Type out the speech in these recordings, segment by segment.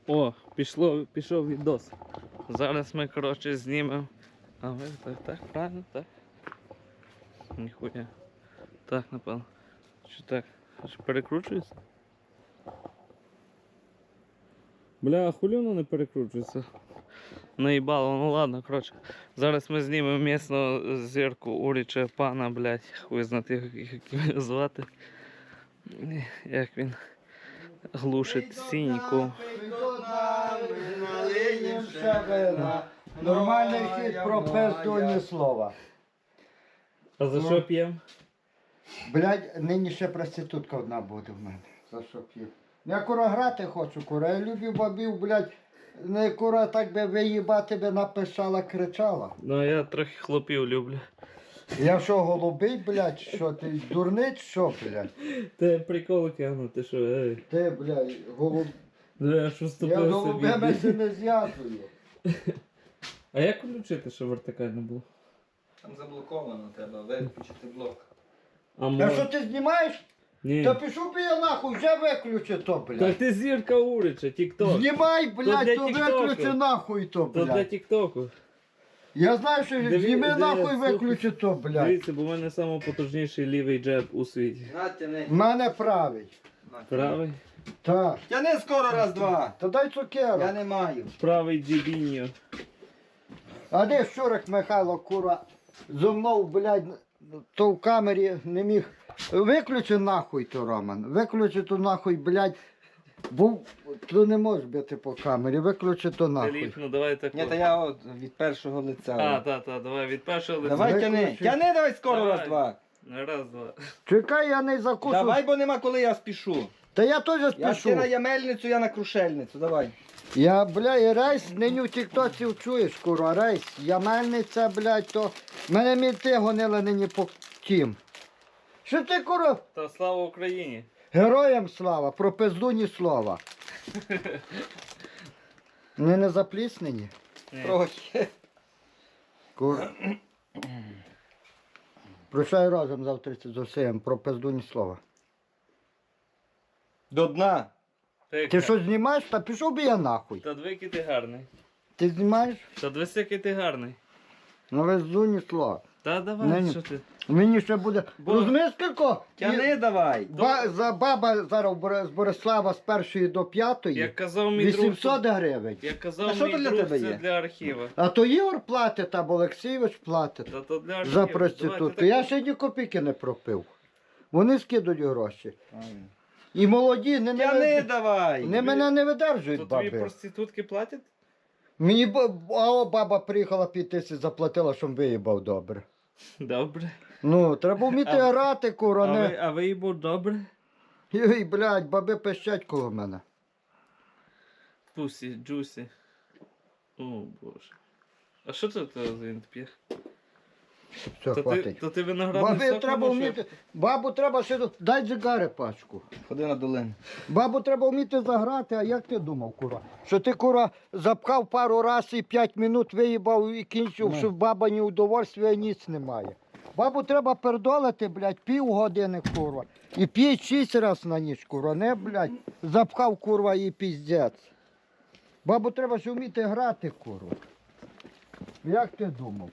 О, пішов відос. Зараз ми, коротше, знімемо. А ви так, правильно, так? Ніхуя. Так, напевно. Що так? Що перекручується? Бля, а хулі воно не перекручується? Наїбало, ну ладно, коротше. Зараз ми знімемо місну зірку Уріча пана, блядь. Хуй знати, як його звати. Як він глушить сіньку. Нормальний хід про пиздуні слова. А за що п'ємо? Блядь, нині ще проститутка одна буде в мене. За що п'ю? Я кура грати хочу, кура. Я люблю бабів, блядь. Не кура так би виїбати би написала, кричала. Ну я трохи хлопів люблю. Я що, голубий, блядь, що ти дурний, що, блядь? Ти прикол кину, ти що, ей. Ти, блядь, голуб... Я що Я вступив голубями собі. не зв'язую. А як включити, щоб вертикально було? Там заблоковано, треба виключити блок. А А що ти знімаєш? Ні. Та пішов би я нахуй, вже виключи то, Так блядь. ти зірка Урича, тік-ток. Знімай, То блядь, для то тіктоку. виключи нахуй то, То для блядь. тік-току. Я знаю, що зніми нахуй, слухай. виключи то, блядь. Дивіться, бо в мене найпотужніший лівий джеб у світі. Нате не. В мене правий. Правий? Так. Тяни скоро раз-два. Та дай Я цукерок. не маю. Правий джебіньо. А де Щурик Михайло, кура, зо мною, блядь, то в камері не міг. Виключи нахуй то, Роман. Виключи то нахуй, блядь. Був, то не можеш бити по камері, виключи то нахуй. Філіп, ну давай так. Ні, та я от від першого лиця. А, давай від першого лиця. Давай тяни. Виключи. Тяни давай скоро Давай. раз-два. Раз, два. Чекай, я не закушу. Давай, бо нема коли я спішу. Та я теж Я спішу. ти на ямельницю, я на крушельницю. Давай. Я, бля, і рейс нині в тіктоці чуєш, кура, рейс. Ямельниця, блядь, то... Мене мінти гонили нині по тім. Що ти, кура? Та слава Україні. Героям слава, про пизду ні слова. Не запліснені? Ні. Трохи. Кура. Прощай разом завтра з усім, про пизду ні слова. До дна. Ти що знімаєш? Та пішов би я нахуй. Та двійки ти гарний. Ти знімаєш? Та двісики ти гарний. Ну пизду ні слова. Та давай, Ні. що ти? Мені ще буде... Бо- Розумієш, скільки? Тяни давай. За баба зараз з Борислава з 1 до 5 Як казав мій друг, 800 гривень. як А казав що мій то для друг, тебе це є? для архіва. А то Ігор платить, або Олексійович платить Та то для архіва. за Давай, проститутку. ти Я так- ще ні копійки не пропив. Вони скидуть гроші. Правильно. І молоді Тяни давай. не мене не То видержують тобі баби. проститутки платять? Мені баба приїхала 5 тисяч заплатила, щоб виїбав добре. Добре. Ну, треба вміти А- грати, кура, не. А ви їбу добре? Ой, блядь, баби пищать коло мене. Пусі, джусі. О, боже. А що це за він п'є? Все, хватить. То ти виноградний Бабі сок треба намочив? вміти. Бабу треба ще. Дай дзигари пачку. Ходи на долину. Бабу треба вміти заграти, а як ти думав, кура? Що ти, кура, запхав пару раз і 5 минут виїбав і кінчив, що баба ні удовольствия, ніц немає. Бабу треба пердолити, блядь, півгодини, курва. І 5-6 раз на ніч, курва. Не, блядь, запхав, курва, і піздець. Бабу треба ще вміти грати, курва. Як ти думав?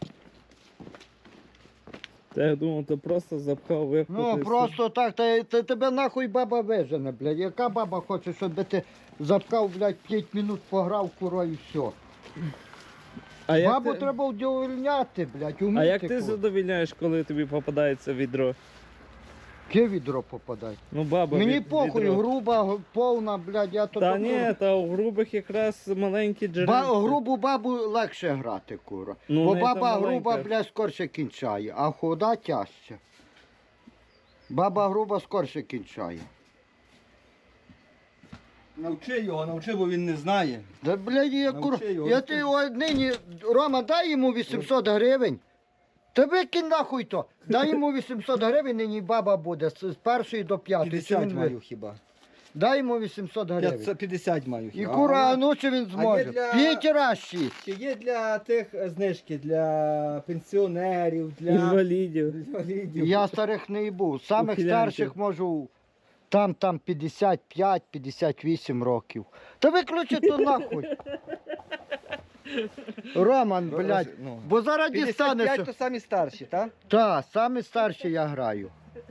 Та я думав, ти просто запхав випхати. Ну, просто так, та тебе нахуй баба вижене, блядь. Яка баба хоче, щоб ти запхав, блядь, 5 минут пограв, курва, і все. А як Бабу ти... треба удовольняти, блядь, уміти. А як ти курва. задовільняєш, коли тобі попадається відро? Яке відро попадає? Ну, баба, Мені від- похуй, відро. груба, повна, блядь, я то... Та добро- ні, та у грубих якраз маленькі джерела. Грубу бабу легше грати, кура. Ну, Бо не баба та груба, маленька. блядь, скорше кінчає, а худа тяжче. Баба груба скорше кінчає. Навчи його, навчи, бо він не знає. Да, блядь, я кур... Навчи його. Я ти нині, Рома, дай йому 800 гривень. Та викинь нахуй то. Дай йому 800 гривень, нині баба буде з 1 до 5. 50 маю хіба. Дай йому 800 гривень. 50 маю І хіба. кура, а ну чи він зможе? для- 5 раз 6. Чи є для тих знижки, для пенсіонерів, для Інвалідів. інвалідів? Я старих не був. Самих Ухилянтів. старших можу Там 55-58 років. Та виключи то нахуй. Роман, блядь, Ну. бо зараз 55 дістанеш. то самі старші, так? Так, саме старший я граю.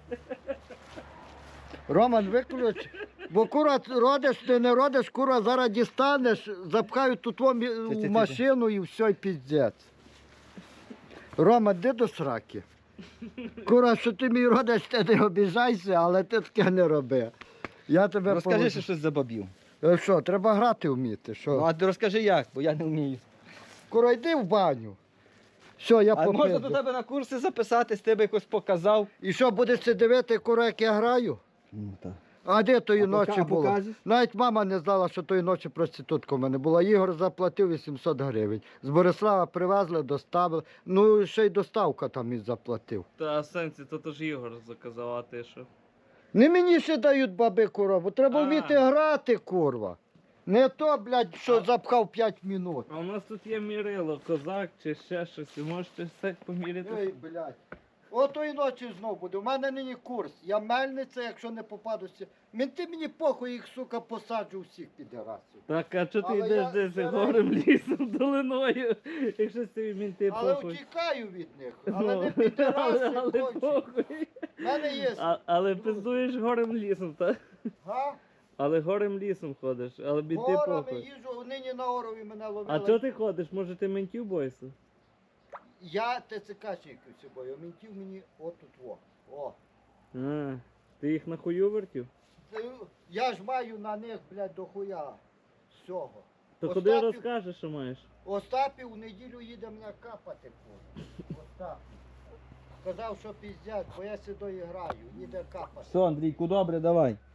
Роман, виключ. Бо кура родиш, ти не родиш, кура зараз дістанеш, запхають тут в машину і все, і піздець. Роман, де до сраки? Кура, що ти мій родиш, ти не обіжайся, але ти таке не роби. Я тебе Розкажи поведу. ще щось за бабів. Що, треба грати вміти, що? Ну, а ти розкажи як, бо я не вмію. Кура, йди в баню. Все, я А можна попизду. до тебе на курси записатись, тебе якось показав. І що, будеш це дивити, кура, як я граю? Ну, так. А де тої А ночі було? покажеш? Навіть мама не знала, що тої ночі проститутка в мене була. Ігор заплатив 800 гривень. З Борислава привезли, доставили. Ну, ще й доставка там і заплатив. Та сенсі, то ж Ігор заказав, а ти що? Не мені ще дають баби, курва, бо треба А. вміти грати, курва. Не то, блядь, що запхав 5 минут. А у нас тут є мірило, козак чи ще щось, і можете все поміряти. Ей, блядь. Отої ночі знов буде. У мене нині курс. Я мельниця, якщо не попадуся. Менти мені похуй, їх, сука, посаджу всіх підерасів. Так, а чого ти Але йдеш я десь стараюсь. горем лісом долиною, якщо тобі мінти Але похуй? втікаю від них. Але не але підераси кончі. похуй. У мене є. Але пиздуєш горем лісом, так? Га? Але горем лісом ходиш, але мінти Горами похуй. їжджу, нині на Орові мене ловили. А чого ти ходиш? Може ти ментів боїшся? Я ТЦКшник з собою, ментів мені отут во. О. А, ти їх на хую вертів? Я ж маю на них, блядь, дохуя всього. То куди Остапів- розкажеш, що маєш? Остапів у неділю їде мене капати. Остап. Сказав, що піздять, бо я сюди граю, їде капати. Все, Андрійку, добре, давай.